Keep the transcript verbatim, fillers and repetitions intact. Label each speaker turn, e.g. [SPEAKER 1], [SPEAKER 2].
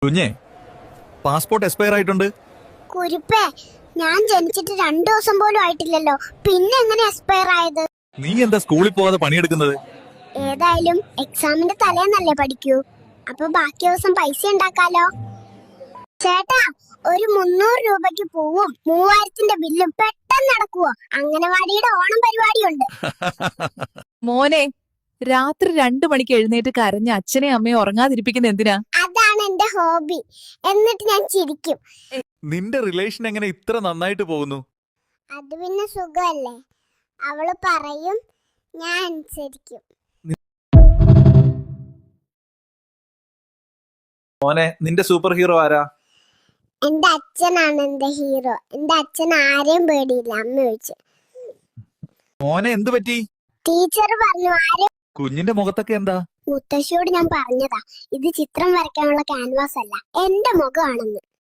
[SPEAKER 1] കുഞ്ഞേ, passport expire ആയിട്ടുണ്ട്.
[SPEAKER 2] കുരുപ്പേ, ഞാൻ ജനിച്ചിട്ട് രണ്ടു ദിവസം പോലും ആയിട്ടില്ലല്ലോ, പിന്നെ എങ്ങനെ എക്സ്പയർ ആയത്?
[SPEAKER 1] നീ എന്താ സ്കൂളിൽ പോകാതെ പണിയെടുക്കുന്നത്?
[SPEAKER 2] ഏതായാലും എക്സാമിന്റെ തലേന്നല്ലേ പഠിക്കൂ, അപ്പൊ ബാക്കി ദിവസം പൈസ ഉണ്ടാക്കാലോ. ചേട്ടാ, ഒരു മുന്നൂറ് രൂപയ്ക്ക് പോവും മൂവായിരത്തിന്റെ ബില്ലും പെട്ടെന്ന് നടക്കുവോ? അംഗനവാടിയുടെ ഓണം പരിപാടിയുണ്ട്.
[SPEAKER 3] മോനെ, രാത്രി രണ്ടു മണിക്ക് എഴുന്നേറ്റ് കരഞ്ഞ അച്ഛനെയും അമ്മയും ഉറങ്ങാതിരിപ്പിക്കുന്ന എന്തിനാ?
[SPEAKER 2] അതാണ് എന്റെ ഹോബി. എന്നിട്ട് ഞാൻ ചിരിക്കും.
[SPEAKER 1] നിന്റെ റിലേഷൻ എങ്ങനെ ഇത്ര നന്നായിട്ട് പോകുന്നു?
[SPEAKER 2] അത് പിന്നെ സുഖമല്ലേ, അവള് പറയും, ഞാൻ അനുസരിക്കും.
[SPEAKER 1] മോനെ, നിന്റെ സൂപ്പർ ഹീറോ ആരാ?
[SPEAKER 2] എന്റെ അച്ഛനാണ് എന്റെ ഹീറോ. എന്റെ അച്ഛൻ ആരെയും പേടിയില്ല, അമ്മ ചോദിച്ചു.
[SPEAKER 1] മോനെ, എന്തു പറ്റി?
[SPEAKER 2] ടീച്ചർ പറഞ്ഞു ആരെ.
[SPEAKER 1] കുഞ്ഞിന്റെ മുഖത്തൊക്കെ എന്താ?
[SPEAKER 2] മുത്തശ്ശിയോട് ഞാൻ പറഞ്ഞതാ, ഇത് ചിത്രം വരയ്ക്കാനുള്ള ക്യാൻവാസ് അല്ല, എന്റെ മുഖമാണെന്ന്.